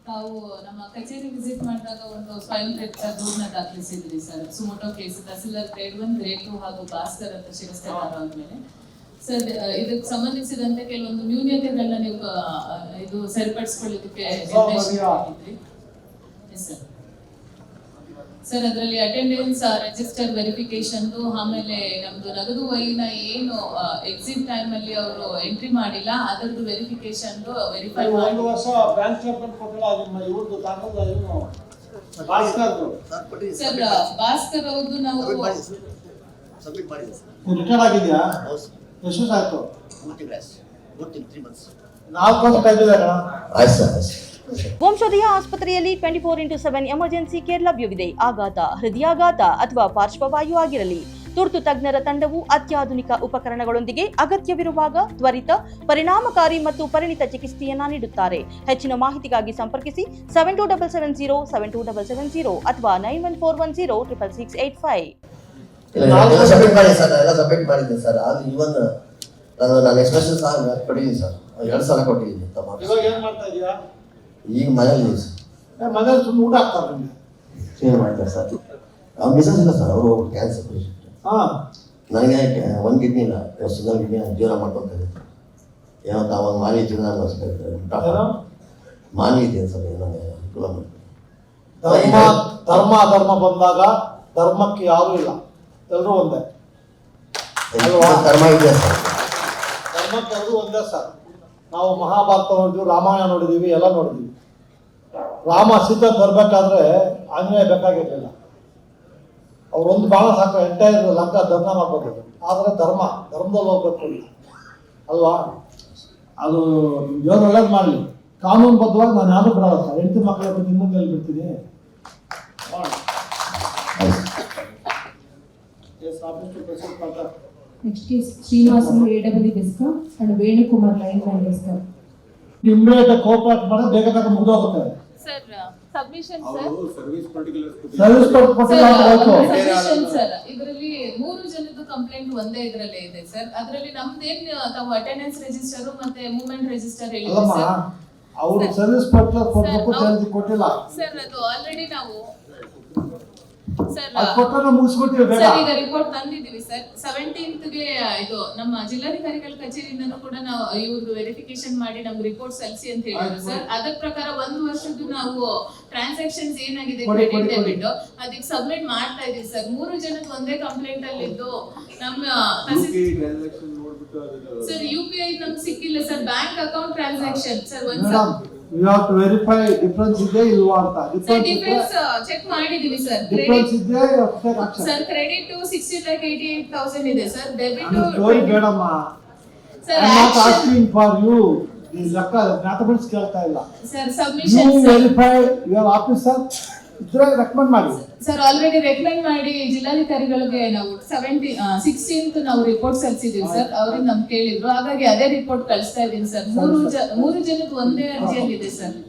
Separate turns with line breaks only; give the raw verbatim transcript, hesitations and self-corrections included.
ತಾವು ನಮ್ಮ ಕಚೇರಿ ವಿಸಿಟ್ ಮಾಡಿದಾಗ ಒಂದು ಸ್ವಯಂ ಪ್ರೇರಿತ ದೂರನ್ನ ದಾಖಲಿಸಿದ್ರಿ sir. Suo motu case tahsildar grade one grade two ಹಾಗೂ ಭಾಸ್ಕರ್ ಅಂತ ಶಿರಸ್ತೇದಾರ ಅಂದ್ಮೇಲೆ ಸರ್ ಇದಕ್ಕೆ ಸಂಬಂಧಿಸಿದಂತೆ ಕೆಲವೊಂದು ನ್ಯೂನ್ಯತೆಗಳನ್ನ ನೀವು ಇದು ಸರಿಪಡಿಸಿಕೊಳ್ಳೋದಕ್ಕೆ ನಿರ್ದೇಶಿಸಿದ್ರಿ ಸರ್. ಸರ್ ಅದರಲ್ಲಿ ಅಟೆಂಡೆನ್ಸ್ ರಿಜಿಸ್ಟರ್ ವೆರಿಫಿಕೇಶನ್, ಆಮೇಲೆ ನಮ್ದು ನಗದು ವಹಿನ ಏನು ಎಕ್ಸಿಟ್ ಟೈಮ್ ಅಲ್ಲಿ ಅವರು ಎಂಟ್ರಿ ಮಾಡಿಲ್ಲ ಅದರದ್ದು ವೆರಿಫಿಕೇಶನ್ ವೆರಿಫೈ ಮಾಡಿ
ಒಂದು ವರ್ಷ ಬ್ಯಾಂಕ್ ಸ್ಟೇಟ್ಮೆಂಟ್ ಕೊಟ್ಟಿಲ್ಲ. ನಿಮ್ಮ ಇವ್ರದ್ದು ದಾಖಲೆ ಏನು ಭಾಸ್ಕರ್
ಸರ್ ಭಾಸ್ಕರ್ ಅವ್ರದ್ದು ನಾವು
ಸಬ್ಮಿಟ್ ಮಾಡಿದೆ ಸರ್.
ರಿಟರ್ನ್ ಆಗಿದೆಯಾ? ಎಷ್ಟು ವರ್ಷ ಆಯ್ತು? ನಾಲ್ಕು ವರ್ಷ ಕಳೆದಿದ್ದಾರೆ.
ಆಯ್ತು ಸರ್, ಆಯ್ತು.
ವಂಶೋದಯ ಆಸ್ಪತ್ರೆಯಲ್ಲಿ twenty four into seven emergency care ಲಭ್ಯವಿದೆ. ಆಘಾತ, ಹೃದಯಾಘಾತ ಅಥವಾ ಪಾರ್ಶ್ವವಾಯು ಆಗಿರಲಿ, ತುರ್ತು ತಜ್ಞರ ತಂಡವು ಅತ್ಯಾಧುನಿಕ ಉಪಕರಣಗಳೊಂದಿಗೆ ಅಗತ್ಯವಿರುವಾಗ ತ್ವರಿತ, ಪರಿಣಾಮಕಾರಿ ಮತ್ತು ಪರಿಣಿತ ಚಿಕಿತ್ಸೆಯನ್ನ ನೀಡುತ್ತಾರೆ. ಹೆಚ್ಚಿನ ಮಾಹಿತಿಗಾಗಿ ಸಂಪರ್ಕಿಸಿ seven two double seven zero seven two double seven zero ಅಥವಾ nine one four one zero triple six eight five.
Submit ಮಾಡಿ ಸರ್, ಎಲ್ಲ ಸಬ್ಮಿಟ್ ಮಾಡಿದ್ದೀನಿ ಸರ್. ಅದು ಇವನ್ ನಾನು ನಾನು ಎಕ್ಸ್ಪ್ರೆಷನ್ ಸಹ ಕೊಟ್ಟಿದ್ದೀನಿ ಸರ್, ಎರಡು ಸಲ ಕೊಟ್ಟಿದ್ದೀನಿ.
ಇವಾಗ ಏನು ಮಾಡ್ತಾ ಇದೀಯಾ?
ಈಗ ಮನೇಲಿ ಸರ್,
ಮನೇಲಿ ಸುಮ್ಮನೆ ಊಟ ಆಗ್ತಾರೆ ನಿಮಗೆ?
ಏನು ಮಾಡ್ತಾರೆ ಸರ್? ಅವ್ರು ಮಿಸಸ್ ಇಲ್ಲ ಸರ್, ಅವರು ಕ್ಯಾನ್ಸರ್ ಪೇಷಂಟ್.
ಹಾಂ,
ನನಗೆ ಒಂದು ಕಿಡ್ನಿ ಇಲ್ಲ, ಸಿಂಗಲ್ ಕಿಡ್ನಿ ಜೀವನ ಮಾಡ್ಕೊತಾ ಇದ್ದೆ. ಏನೋ ಅವಾಗ ಮಾನವೀಯ ಜೀವನ ಮಾಡಿಸ್ಬೇಕು, ಮಾನವೀಯ ಇದೆ ಸರ್. ನನಗೆ ಅನುಕೂಲ ಮಾಡಿ
ಧರ್ಮ ಧರ್ಮ ಧರ್ಮ ಬಂದಾಗ ಧರ್ಮಕ್ಕೆ ಯಾರೂ ಇಲ್ಲ, ಎಲ್ಲರೂ ಒಂದೇ.
ಧರ್ಮ ಇದೆ ಸರ್,
ಧರ್ಮಕ್ಕೆ ಎಲ್ಲರೂ ಒಂದೇ ಸರ್. ನಾವು ಮಹಾಭಾರತ ನೋಡಿದ್ವಿ, ರಾಮಾಯಣ ನೋಡಿದ್ದೀವಿ, ಎಲ್ಲ ನೋಡಿದ್ದೀವಿ. ರಾಮ ಸೀತೆ ತರಬೇಕಾದ್ರೆ ಆಂಜನೇಯ ಬೇಕಾಗಿರಲಿಲ್ಲ. ಅವ್ರೊಂದು ಬಾಣ ಸಾಕು, ಎಂಟೈರ್ ಲಂಕಾ ಧರ್ಮ ಮಾಡ್ಬೋದು. ಆದರೆ ಧರ್ಮ ಧರ್ಮದಲ್ಲಿ ಹೋಗ್ಬೇಕು ಅಲ್ವಾ? ಅದು ಏನು ಒಳ್ಳೇದು ಮಾಡಲಿ, ಕಾನೂನುಬದ್ಧವಾಗಿ ನಾನು ಯಾರು ಬಿಡಲ್ಲ ಸರ್. ಹೆಂಡತಿ ಮಕ್ಕಳ ಬಗ್ಗೆ ನಿಮ್ಮ ಮುಂದೆ ಬಿಡ್ತೀನಿ.
Next is Srinivasan A W Deska and Venukumar Line Man Deska.
Immediate cooperate ಮಾಡಿ ಬೇಗ ಬೇಗ ಮುಗಿದೋಗುತ್ತೆ
sir. Submission sir,
service
submission
particular
sir. ಇದರಲ್ಲಿ ಮೂರು ಜನದ್ದು ಕಂಪ್ಲೇಂಟ್ ಒಂದೇ ಇದರಲ್ಲೇ ಇದೆ ಸರ್. ಅದರಲ್ಲಿ ನಮ್ದೇನ್ ತಾವು ಅಟೆಂಡೆನ್ಸ್ ರಿಜಿಸ್ಟರ್ ಮತ್ತೆ ಮೂವ್ಮೆಂಟ್ ರಿಜಿಸ್ಟರ್ ಹೇಳಿದ್ರು ಸರ್.
ಅವರು ಸರ್ವಿಸ್ ಪರ್ಟಿಕ್ಯುಲರ್ ಕೊಡಬೇಕು ಅಂತ ಕೊಟ್ಟಿಲ್ಲ
ಸರ್. ಅದು ಆಲ್ರೆಡಿ ನಾವು ಸರ್
ಅದು ಕೊಟ್ಟರೆ ಮುಗಿಸ್ಬಿಟ್ಟಿವಿ ಬೇಗ.
ಸರ್ ಈಗ ರಿಪೋರ್ಟ್ ತಂದಿದ್ದೀವಿ ಸರ್. ಸೆವೆಂಟೀನ್ತ್ ಗೆ ಇದು ನಮ್ಮ ಜಿಲ್ಲಾಧಿಕಾರಿಗಳ ಕಚೇರಿಯಿಂದನೂ ಕೂಡ ನಾವು ಇವ್ರದ್ದು ವೆರಿಫಿಕೇಶನ್ ಮಾಡಿ ನಮ್ಗೆ ರಿಪೋರ್ಟ್ ಸಲ್ಲಿಸಿ ಅಂತ ಹೇಳಿದ್ರು ಸರ್. ಅದರ ಪ್ರಕಾರ ಒಂದು ವರ್ಷದ್ದು ನಾವು ಟ್ರಾನ್ಸಾಕ್ಷನ್ಸ್ ಏನಾಗಿದೆ ಕ್ರೆಡಿಟ್ ಡೆಬಿಟ್ ಅದಕ್ಕೆ ಸಬ್ಮಿಟ್ ಮಾಡ್ತಾ ಇದೀವಿ ಸರ್. ಮೂರು ಜನದ ಒಂದೇ ಕಂಪ್ಲೇಂಟ್ ಅಲ್ಲಿ ಇದ್ದು ನಮ್ಮ ಸರ್ ಯು ಪಿ ಐ ನಮ್ಗೆ ಸಿಕ್ಕಿಲ್ಲ sir. Bank account transaction sir ಒಂದು
we have to verify difference ಇದೆ ಇಲ್ವಾ ಅಂತ.
ಡಿಫರೆನ್ಸ್ ಚೆಕ್ ಮಾಡಿದೀವಿ ಸರ್.
ಡಿಫರೆನ್ಸ್ ಇದೆ
sir. Credit sixty lakh eighty eight thousand ಇದೆ ಸರ್. ಡೆಬಿಟ್
ಸ್ಟೋರಿ ಬೇಡಮ್ಮ
sir.
Not asking for you ಈ ಲೆಕ್ಕ ಮ್ಯಾಥಮೆಟಿಕ್ಸ್ ಕೇಳ್ತಾ ಇಲ್ಲ
sir. Submission
you verify your officer ಇದ್ರೆ ರೆಕಮೆಂಡ್ ಮಾಡಿ
ಸರ್. ಆಲ್ರೆಡಿ ರೆಕಮೆಂಡ್ ಮಾಡಿ ಜಿಲ್ಲಾಧಿಕಾರಿಗಳಿಗೆ ನಾವು ಸೆವೆಂಟಿ ಸಿಕ್ಸ್ಟೀನ್ತ್ ನಾವು ರಿಪೋರ್ಟ್ ಸಲ್ಲಿಸಿದೀವಿ ಸರ್. ಅವ್ರಿಗೆ ನಮ್ಗೆ ಕೇಳಿದ್ರು, ಹಾಗಾಗಿ ಅದೇ ರಿಪೋರ್ಟ್ ಕಳಿಸ್ತಾ ಇದೀನಿ ಸರ್. ಮೂರು ಮೂರು ಜನದ ಒಂದೇ ಅರ್ಜಿಯಲ್ಲಿ ಇದೆ ಸರ್.